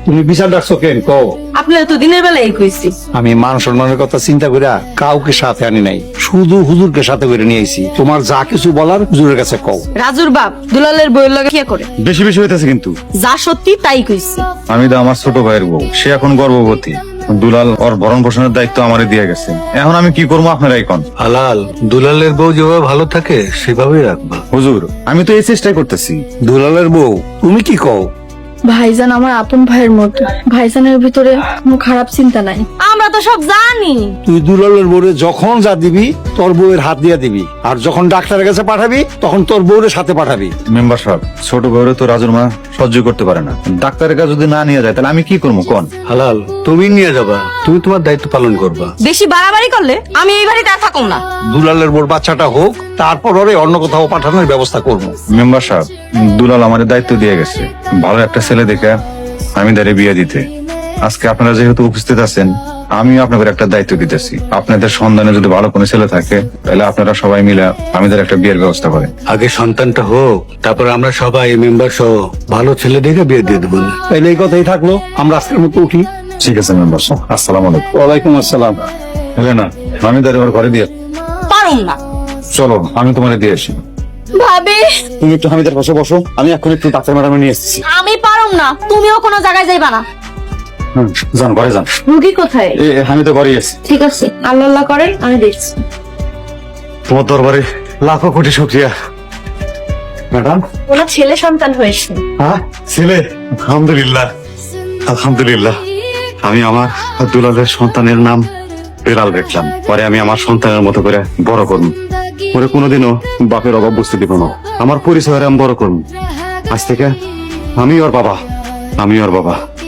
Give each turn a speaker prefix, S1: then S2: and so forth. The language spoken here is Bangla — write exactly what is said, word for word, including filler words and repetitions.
S1: তুমি বিচার ডাকছো কেন কও?
S2: আপনারা তো দিনের বেলা এই কইছি।
S1: আমি মান সম্মানের কথা চিন্তা কইরা কাউকে সাথে আনি নাই, শুধু হুজুরকে সাথে করে নিয়ে আইছি। তোমার যা কিছু বলার হুজুরের কাছে কও।
S2: রাজুর বাপ দুলালের বইয়ের লগে কি করে?
S3: বেশি বেশি হইতেছে কিন্তু।
S2: যা সত্যি তাই কইছি।
S3: আমি তো আমার ছোট ভাইয়ের বউ, সে এখন গর্ভবতী। দুলাল ওর ভরণ পোষণের দায়িত্ব আমারে দিয়ে গেছে। এখন আমি কি করবো আপনারাই কোন।
S4: হালাল, দুলালের বউ যেভাবে ভালো থাকে সেভাবেই রাখবা।
S3: হুজুর, আমি তো এই চেষ্টাই করতেছি।
S1: দুলালের বউ তুমি কি কও?
S5: ভাইজান আমার আপন ভাইয়ের মতো, ভাইজানের ভিতরে কোনো খারাপ চিন্তা নাই।
S2: আমরা তো সব জানি।
S1: তুই দুলালের বউরে যখন যা দিবি তোর বউয়ের হাত দিয়ে দিবি, আর যখন ডাক্তারের কাছে পাঠাবি তখন তোর বউরের সাথে পাঠাবি।
S3: মেম্বার সাহেব, ছোট বউরে তো রাজুর মা সহ্য করতে পারে না। ডাক্তারের কাছে যদি না নিয়ে যায় তাহলে আমি কি করবো কোন।
S4: হালাল, তুমি নিয়ে যাবা, তুমি তোমার দায়িত্ব পালন করবা।
S2: বেশি বাড়াবাড়ি করলে আমি এই বাড়িতে আর থাকুম না।
S1: দুলালের বউর বাচ্চাটা হোক, তারপর ওরে অন্য কোথাও পাঠানোর ব্যবস্থা করবো।
S3: মেম্বার সাহেব, দুলাল আমাদের দায়িত্ব দিয়ে গেছে ভালো একটা ছেলে দেখে আমি দাঁড়িয়ে বিয়ে দিতে। আজকে আপনারা যেহেতু উপস্থিত আছেন, আমিও আপনাদের একটা দায়িত্ব দিতেছি। আপনাদের সন্ধানে যদি ভালো কোনো ছেলে থাকে তাহলে আপনারা সবাই মিলে আমাদের একটা বিয়ের ব্যবস্থা করেন।
S4: আগে সন্তানটা হোক, তারপর আমরা সবাই মেম্বার সহ ভালো ছেলে দেখে বিয়ে দিয়ে দেবো।
S1: তাইলে এই কথাই থাকলো, আমরা আজকের মতো উঠি।
S3: ঠিক আছে মেম্বার সাহেব, আসসালাম আলাইকুম।
S1: ওয়ালাইকুম আসসালাম।
S3: হেলেনা, আমি দাঁড়িয়ে ওর ঘরে দিয়ে।
S2: পারুম না।
S3: চলো, আমি তোমার দিয়ে আসি।
S2: ভাবি,
S3: তুমি একটু হামিদের পাশে বসো, আমি এখন একটু ডাক্তার ম্যাডামে নিয়ে এসেছি।
S2: আমি পারুম না। তুমিও কোনো জায়গায় যাইবা না।
S3: যান ঘরে যান।
S5: রুগী কোথায়?
S3: এ আমি তো ঘরেই আছি।
S5: ঠিক আছে, আল্লাহ আল্লাহ করেন, আমি দেখছি।
S3: তোমার দরবারে লাখো কোটি শুকরিয়া ম্যাডাম।
S5: ওনার ছেলে সন্তান হয়েছে।
S3: হ্যাঁ, ছেলে? আলহামদুলিল্লাহ, আলহামদুলিল্লাহ। আমি আমার দুলালের সন্তানের নাম বেলাল রাখলাম। পরে আমি আমার সন্তানের মতো করে বড় করব। পরে কোনোদিনও বাপের অভাব বুঝতে দিব না। আমার পরিচয় আমি বড় করব। আজ থেকে আমি ওর বাবা, আমি ওর বাবা।